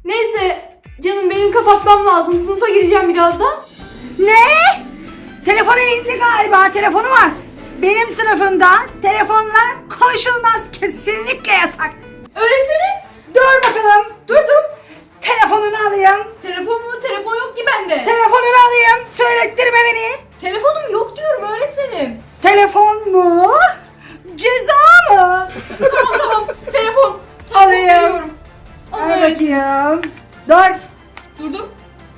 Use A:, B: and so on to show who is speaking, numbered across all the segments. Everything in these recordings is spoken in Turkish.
A: Neyse canım benim kapatmam lazım. Sınıfa gireceğim birazdan.
B: Ne? Telefon elinde galiba. Telefonu var. Benim sınıfımda telefonla konuşulmaz. Kesinlikle yasak.
A: Öğretmenim.
B: Dur bakalım.
A: Durdum.
B: Telefonunu alayım.
A: Telefon mu? Telefon yok ki bende.
B: Telefonunu alayım. Söylettirme beni.
A: Telefonum yok diyorum öğretmenim.
B: Telefon mu? Ceza mı?
A: Tamam. Telefon
B: Alayım.
A: veriyorum.
B: Al
A: Alayım.
B: bakayım. Dur.
A: Durdum.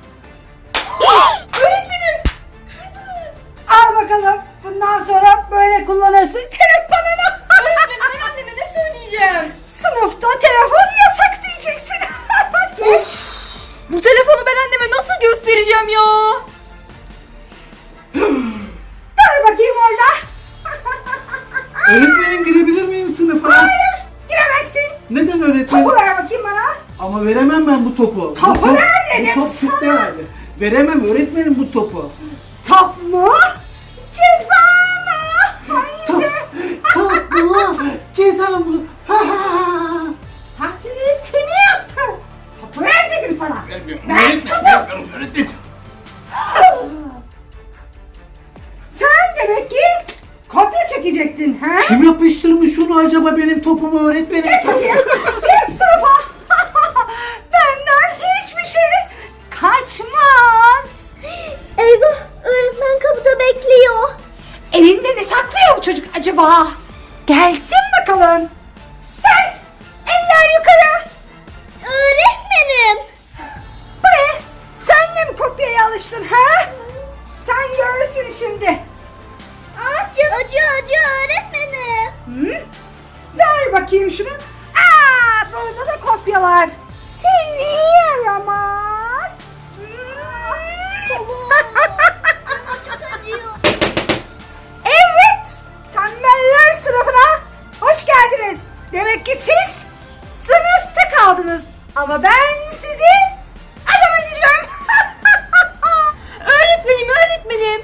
A: Öğretmenim. Kırdınız.
B: Al bakalım. Bundan sonra böyle kullanırsın telefonunu.
A: Öğretmenim ben anneme ne söyleyeceğim?
B: Sınıfta telefon yasak diyeceksin. Geç.
A: Bu telefonu ben anneme nasıl göstereceğim ya?
B: Dur bakayım orada.
C: Öğretmenim girebilir miyim sınıfa?
B: Hayır. Giremezsin.
C: Neden öğretmenim?
B: Topu ver bakayım bana.
C: Ama veremem ben bu topu.
B: Topu
C: Bu
B: ver dedim
C: Bu top
B: sana.
C: Türk'te verdi. Veremem öğretmenim bu topu.
B: Top mu? Ceza mı? Hangisi?
C: Top mu? Ceza mı? Ha ha.
B: Taklitini yaptın. Topu ver dedim sana.
C: Vermiyorum.
B: Ver
C: Öğretmenim,
B: topu.
C: vermiyorum öğretmenim.
B: Sen demek ki kopya çekecektin ha?
C: Kim yapıştırmış şunu acaba benim topumu öğretmenim?
B: Git bakayım. Git sınıfa. Benden hiçbir şey kaçmaz.
D: Eyvah, öğretmen kapıda bekliyor.
B: Elinde ne saklıyor bu çocuk acaba? Gelsin bakalım. Sen eller yukarı.
D: Öğretmenim.
B: Bu ne? Sen de mi kopyaya alıştın ha? Sen görürsün şimdi.
D: Acı öğretmenim.
B: Hı? Ver bakayım şunu. Aa, burada da kopya var. Seni yaramaz.
D: Çok acıyor.
B: Evet, tembeller sınıfına hoş geldiniz. Demek ki siz sınıfta kaldınız. Ama ben sizi adam edeceğim.
A: Öğretmenim.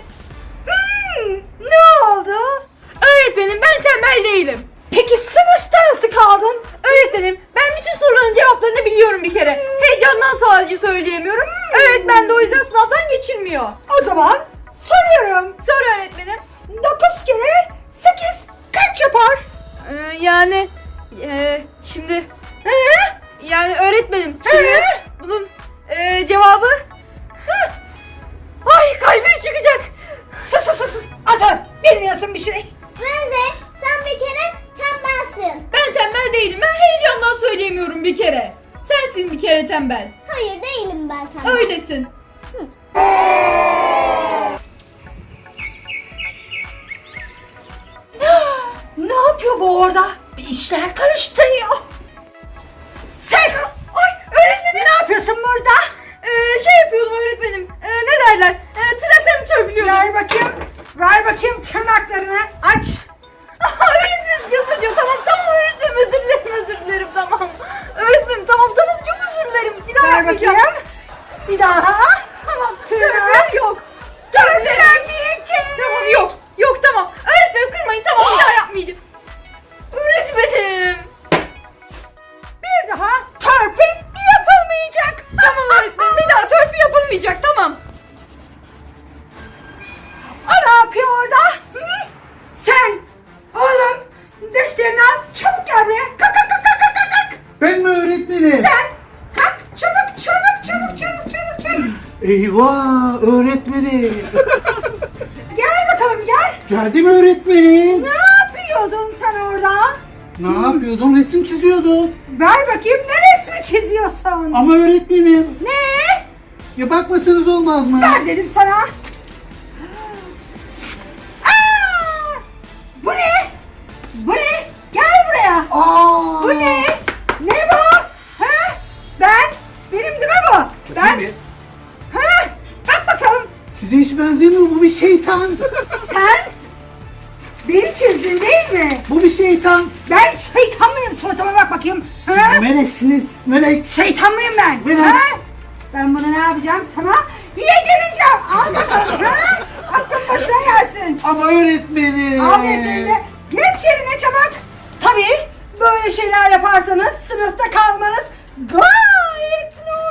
B: Ne oldu?
A: Öğretmenim ben tembel değilim.
B: Peki sınıfta nasıl kaldın?
A: Öğretmenim ben bütün soruların cevaplarını biliyorum bir kere. Heyecandan sadece söyleyemiyorum. Öğretmen de o yüzden sınavdan geçirmiyor.
B: O zaman soruyorum.
A: Sor öğretmenim.
B: 9 kere 8 kaç yapar?
A: Yani şimdi
B: He?
A: yani öğretmenim şimdi
B: He?
A: bunun cevabı ay kalbim çıkacak.
B: Sus. Atın. Bilmiyorsun bir şey.
D: Benze, sen bir kere tembelsin.
A: Ben tembel değilim. Ben heyecandan söyleyemiyorum bir kere. Sensin bir kere tembel.
D: Hayır değilim ben tembel.
A: Öylesin.
B: Ne yapıyor bu orada? Bir işler karıştırıyor. Sen öğretmenim ne yapıyorsun burada?
A: Şey yapıyordum öğretmenim. Ne derler? Tırnaklarımı törpülüyordum.
B: Ver bakayım tırnaklarını aç.
A: Öğretmenim çok acıyor. Tamam öğretmenim özür dilerim tamam. Öğretmenim tamam çok özür dilerim. Bir daha
B: Ver
A: yapmayacağım.
B: bakayım. Bir daha.
A: Tamam
B: Tırnak.
A: törpüler yok.
B: Törpüler bir iki.
A: Tamam yok tamam. Öğretmenim kırmayın tamam bir daha yapmayacağım. Öğretmenim.
B: Bir daha törpü yapılmayacak.
A: Tamam öğretmenim bir daha törpü yapılmayacak tamam.
B: O ne yapıyor orada? Hı? Sen oğlum defterini al çabuk gel buraya. Kalk.
C: Ben mi öğretmenim?
B: Sen kalk çabuk.
C: Eyvah öğretmenim.
B: Gel bakalım gel.
C: Geldim öğretmenim.
B: Ne yapıyordun sen orada?
C: Ne yapıyordum? Resim çiziyordum.
B: Ver bakayım ne resmi çiziyorsun?
C: Ama öğretmenim.
B: Ne?
C: Ya bakmasanız olmaz mı?
B: Ver dedim sana. Aa! Bu ne? Gel buraya.
C: Aa!
B: Bu ne? Ne bu? Ha? Benim değil mi bu?
C: Bakayım.
B: Ha? Bak bakalım.
C: Size hiç benzemiyor, bu bir şeytan.
B: Sen beni çizdin değil mi?
C: Bu bir şeytan.
B: Ben şeytan mıyım? Suratıma bak bakayım. Ha?
C: Meleksiniz, melek.
B: Şeytan mıyım ben?
C: Melek.
B: Ha? Ben bunu ne yapacağım sana? Yedireceğim. Al bakalım. Ha? Aklın başına gelsin.
C: Ama öğretmenim.
B: Al yedirdi. Geç yerine çabuk. Tabii böyle şeyler yaparsanız sınıfta kalmanız gayet normal.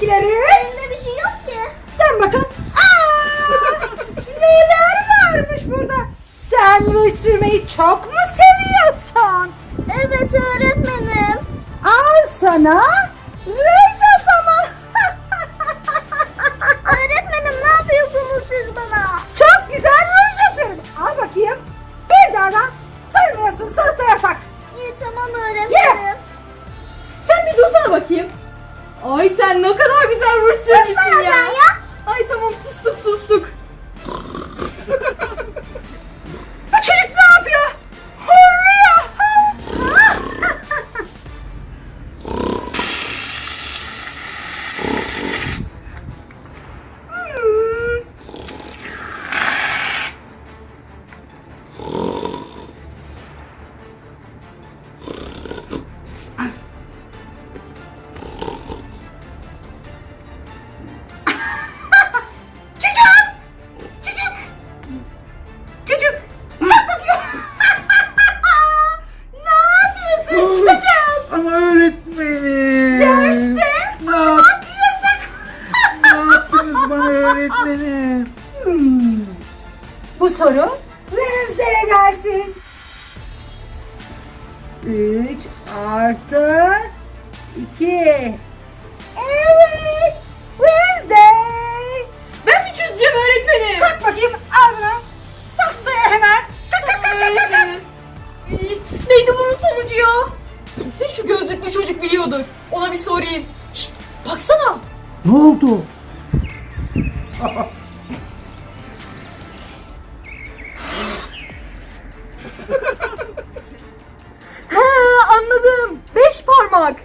B: içindekileri?
D: Elimde bir şey yok ki.
B: Dön bakalım. Aa, neler varmış burada? Sen ruj sürmeyi çok mu seviyorsun?
D: Evet öğretmenim.
B: Al sana ruj o zaman.
D: Öğretmenim ne yapıyorsunuz siz bana?
B: Çok güzel ruj yapıyorum. Al bakayım. Bir daha da sürmüyorsun. Sınıfta yasak.
D: İyi tamam öğretmenim.
A: Sen bir dursana bakayım. Ay sen ne kadar güzel ruj sürmüşsün
D: Dursana
A: ya.
D: sen ya.
A: Ay tamam sustuk.
B: Bu çocuk ne yapıyor? Horluyor. Çocuk. Bak bakayım. Ne yapıyorsun çocuğum?
C: Ama öğretmenim.
B: Derste
C: Ne,
B: bak yasak.
C: ne yaptınız bana öğretmenim?
B: Bu soru Wednesday'e gelsin. 3 artı 2. Evet. Wednesday.
A: Ben mi çözeceğim öğretmenim?
B: Kalk bakayım. Al bunu. Tahtaya hemen. Kalk kalk kalk kalk, kalk.
A: Öğretmenim. İyi, neydi bunun sonucu ya? Kesin şu gözlüklü çocuk biliyordur. Ona bir sorayım. Şşt baksana.
C: Ne oldu?
A: Ha anladım. 5 parmak.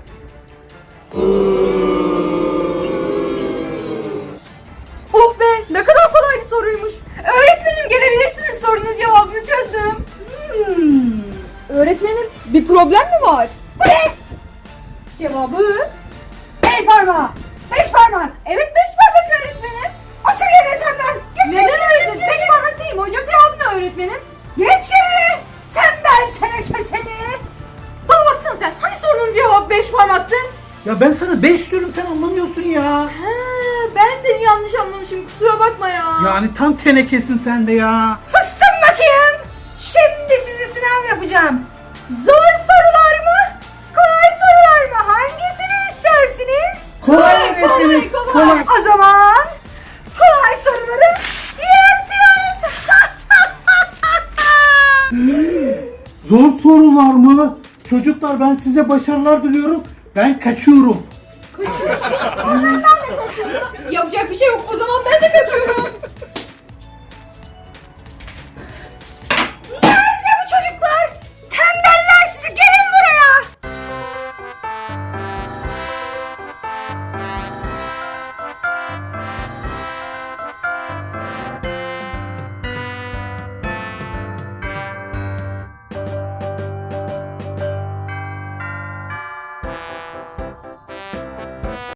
A: Oh be ne kadar kolay bir soruymuş. Öğretmenim gelebilirsiniz, sorunun cevabını çözdüm. Öğretmenim bir problem mi var? Cevabı?
B: 5 parmak. 5 parmak.
A: Evet 5 parmak öğretmenim.
B: Otur yerine tembel. Geç
A: Neden
B: geç
A: öğretmenim?
B: geç geç.
A: 5 parmak değil mi hocam? Cevabı ne öğretmenim?
B: Geç yerine. Tembel teneke seni.
A: Bana baksana sen. Hani sorunun cevabı 5 parmaktı?
C: Ya ben sana 5 diyorum, sen anlamıyorsun ya.
A: Ha, ben seni yanlış anlamışım. Kusura bakma ya.
C: Yani tam tenekesin sen de ya.
B: Sussun bakayım. Şimdi size sınav yapacağım. Zor sorular mı? Kolay sorular mı? Hangisini istersiniz?
C: Kolay öğretmenim.
A: kolay.
B: O zaman kolay soruları yırtıyoruz.
C: Zor sorular mı? Çocuklar ben size başarılar diliyorum. Ben kaçıyorum.
A: Yapacak bir şey yok. O zaman ben de kaçıyorum.